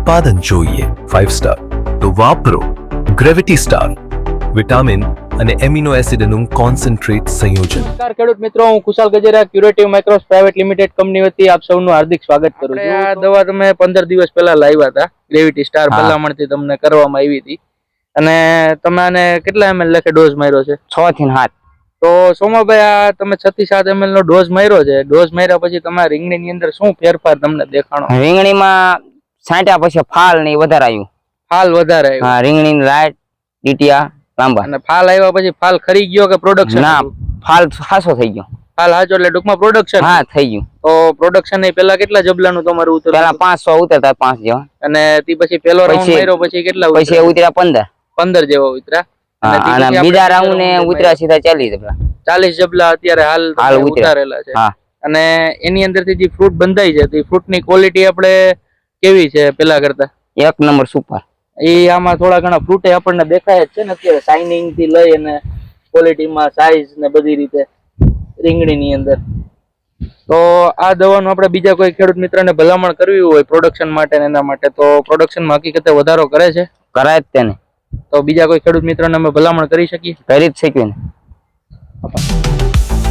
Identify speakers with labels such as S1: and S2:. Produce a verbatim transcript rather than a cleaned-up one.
S1: ઉત્પાદન જોઈએ five star તો વાપરો ગ્રેવિટી સ્ટાર વિટામિન અને એમિનો એસિડનું કોન્સન્ટ્રેટ સંયોજન।
S2: નમસ્કાર ખેડૂત મિત્રો, હું Kushal Gajera curative micros private limited company વતી આપ સૌનું હાર્દિક સ્વાગત કરું છું। આ દવા તમે પંદર દિવસ પહેલા લાવ્યા હતા, ગ્રેવિટી સ્ટાર ભલામણથી તમને કરવામાં આવી હતી અને તમે આને કેટલા એમએલ લખે ડોઝ માર્યો છે?
S3: છ થી સાત।
S2: તો સોમાભાઈ, આ તમે છ થી સાત એમએલ નો ડોઝ માર્યો છે, ડોઝ માર્યા પછી તમારા રીંગણી ની અંદર શું ફેરફાર તમને દેખાણો?
S3: રીંગણીમાં છાંટ્યા પછી ફાલ ને વધારે આવ્યું।
S2: ફાલ વધારે આવ્યું?
S3: હા, રીંગણી લાઈટ ડીટીયા લાંબા।
S2: અને ફાલ આવ્યા પછી ફાલ ખરી ગયો કે પ્રોડક્શન?
S3: ના, ફાલ હાસો થઈ ગયો।
S2: ફાલ હાચો એટલે ટૂંકમાં પ્રોડક્શન?
S3: હા, થઈ ગયું।
S2: તો પ્રોડક્શન ની પેલા કેટલા જબલાનું તમારું ઉતર્યું?
S3: પેલા પાંચસો ઉતરતા પાંચ જેવા,
S2: અને તે પછી પેલો રાઉન્ડ માર્યો પછી કેટલા?
S3: પછી ઉતર્યા પંદર
S2: પંદર જેવા ઉતર્યા।
S3: અને બીજા રાઉન્ડ ને ઉતર્યા સીધા ચાલીસ જબલા।
S2: ચાલીસ જબલા અત્યારે હાલ ઉતારેલા છે। અને એની અંદર થી જે ફ્રૂટ બંધાય છે તે ફ્રૂટ ની ક્વોલિટી આપણે કેવી છે પેલા કરતા?
S3: એક નંબર સુપર।
S2: એ આમાં થોડા ઘણા ફ્રૂટ આપણને દેખાય જ છે ને અત્યારે, શાઇનિંગ થી લઈ અને ક્વોલિટીમાં સાઈઝ ને બધી રીતે રીંગણી ની અંદર। તો આ દવાનું આપણે બીજા કોઈ ખેડૂત મિત્રને ભલામણ કરવી હોય પ્રોડક્શન માટે એના માટે, તો પ્રોડક્શનમાં હકીકતે વધારો કરે છે?
S3: કરાય જ તેને।
S2: તો બીજા કોઈ ખેડૂત મિત્રને અમે ભલામણ કરી શકીએ?
S3: કરી જ શકીએ ને।